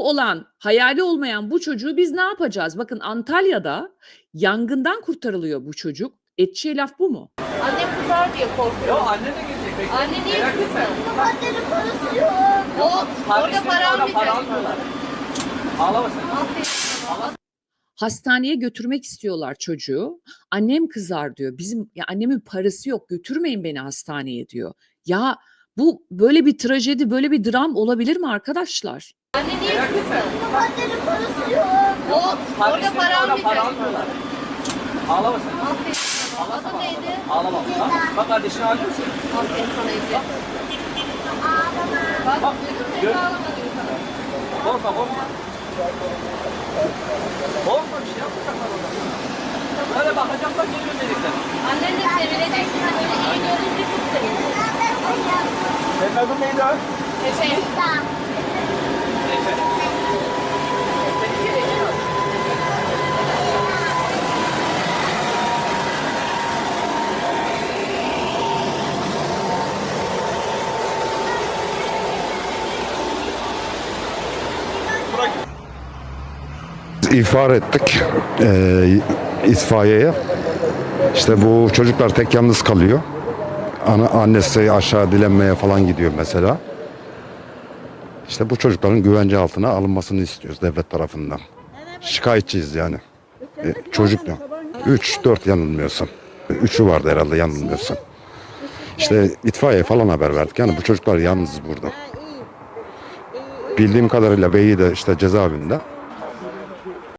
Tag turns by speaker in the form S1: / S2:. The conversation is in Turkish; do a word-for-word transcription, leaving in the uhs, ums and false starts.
S1: çocuğu olan, hayali olmayan bu çocuğu biz ne yapacağız? Bakın Antalya'da yangından kurtarılıyor bu çocuk. Edeceği laf bu mu?
S2: Annem kızar diye korkuyorum.
S3: Yo anne de gelecek. Bekle.
S2: Anne niye
S3: Merak etme.
S2: kızsın? Annenin parası yok. O, orada
S3: Kardeşlerim
S2: para
S3: orada para
S2: almayacak.
S3: almıyorlar. Ağlama sen.
S1: Hastaneye götürmek istiyorlar çocuğu. Annem kızar diyor. Bizim ya annemin parası yok. Götürmeyin beni hastaneye diyor. Ya bu böyle bir trajedi, böyle bir dram olabilir mi arkadaşlar?
S2: Anne niye
S3: Merak etme.
S2: kızsın? Annenin parası yok. O, orada
S3: Kardeşlerim
S2: para
S3: orada para
S2: almayacak.
S3: almıyorlar. Ağlama sen.
S2: Aferin. Adı neydi?
S3: Ağlama. Bak, bak kardeşini ağlıyor musun?
S2: Aferin sana Ece. Bak,
S3: Bak,
S2: duydun mu?
S3: gör.
S2: Ece ağlama diyor sana.
S3: Korkma korkma. Korkma bir şey yapmayacaklar orada. Böyle bakacaklar geliyor melekler.
S2: Annen de sevinecek. Seni böyle iyi görünce çok sevinecek.
S3: Senin adın neydi o?
S2: Efe.
S3: Efe.
S4: İhbar ettik e, itfaiyeye. İşte bu çocuklar tek yalnız kalıyor. Ana, annesi aşağı dilenmeye falan gidiyor mesela. İşte bu çocukların güvence altına alınmasını istiyoruz devlet tarafından. Şikayetçiyiz yani. E, çocuk da. üç dört yanılmıyorsam. üçü vardı herhalde yanılmıyorsam. İşte itfaiye falan haber verdik. Yani bu çocuklar yalnız burada. Bildiğim kadarıyla beyi de işte cezaevinde.